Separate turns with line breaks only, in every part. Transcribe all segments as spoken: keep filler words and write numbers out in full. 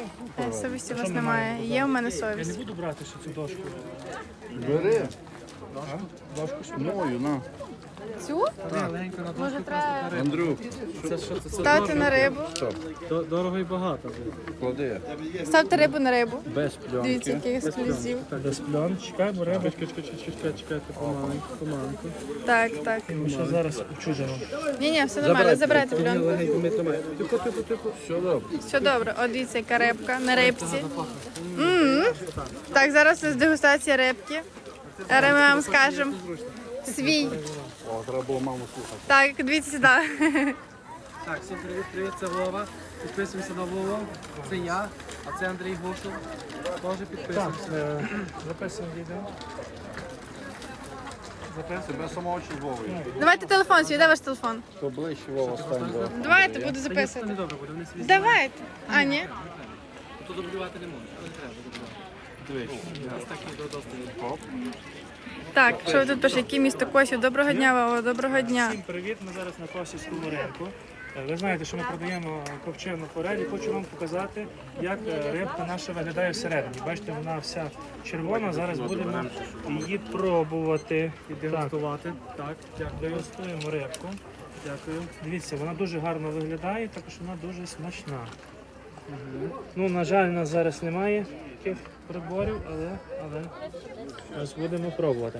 Е, Совісті у вас немає. Є у мене
Я не
совість.
буду брати ще цю дошку.
Бери.
Дошку сюди.
Мою, на.
Цю?
Легенько на
Може, треба
Андрюх,
Це що це? Це
ставити на рибу.
До- дорого і багато.
клади.
Ставте рибу на рибу.
Без пленки.
Дивіться, який ексклюзив.
Без пльон. Чекай, бо риба.
Чекай, чекай, чекай, чекай, чекайте, помаленьку, помаленьку.
Так, так.
Ми ще зараз чужимо.
Ні, ні, все нормально. Забирайте
Ні,
пленку.
легенько, ми тримаємо. Тихо, тихо, тихо.
Все добре.
Все добре. От дивіться, яка рибка на рибці. М. Так, зараз у нас дегустація рибки. Зараз ми вам скажемо свій.
О, треба було маму слухати.
Так, дивіться сюди.
Так, всім привіт, привіт, це Вова. Підписуємося на Вову. Це я, а це Андрій Гушев. Теж
Так,
підписуємося.
е, записуємо відео. Записуємо.
Тебе самого чи Вовою?
Давайте телефон свій, де ваш телефон?
То ближче Вова стань. бо-
Давайте, буду
Це не
записувати.
добре буде, вони свій.
Давайте. А, ні?
То дублювати не можна, не треба дублювати. Дивись, у нас так і до достатньо.
Так, що ви тут пишете? Яке місто Косів? Доброго дня, Вова, доброго дня.
Всім привіт, ми зараз на Косівському ринку. Е, Ви знаєте, що ми продаємо копчену форель і хочу вам показати, як е, рибка наша виглядає всередині. Бачите, вона вся червона, зараз будемо її пробувати.
І дегустувати. Так, дякую.
Дегустуємо рибку.
Дякую.
Дивіться, вона дуже гарно виглядає, також вона дуже смачна. Ну, на жаль, у нас зараз немає таких приборів, але, але ось будемо пробувати.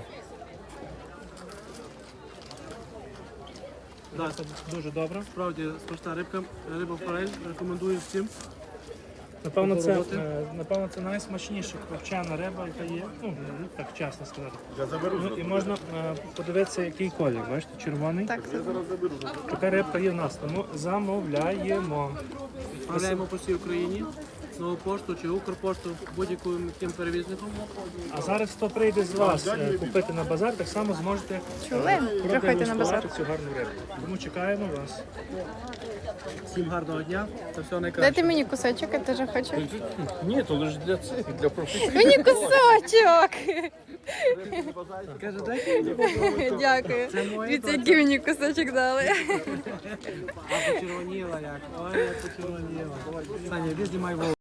Так,
Це дуже добре.
справді смачна рибка, риба форель, рекомендую всім.
Напевно, це,
Попробувати?
е, напевно, це найсмачніша копчена риба, яка є, ну, так чесно сказати. Ну, і можна е, подивитися, який колір, бачите, червоний.
Так,
Така рибка є в нас, тому замовляємо.
Відправляємо по всій Україні, нову пошту чи Укрпошту, будь-яким тим перевізником.
А зараз, хто прийде з вас е, купити на базар, так само зможете
чули? Приходьте на базар.
продегустувати цю гарну рибку. Тому чекаємо вас.
Всім гарного дня, це все найкраще.
Дайте мені кусочок, я теж хочу.
Ні, то лише для цих, для професійних.
Мені кусочок!
Каже, дайте мені.
Дякую.
моє
Дивіться, який мені кусочок дали.
А почервоніла як. Ой, як почервоніла. Саня, іди знімай Вову.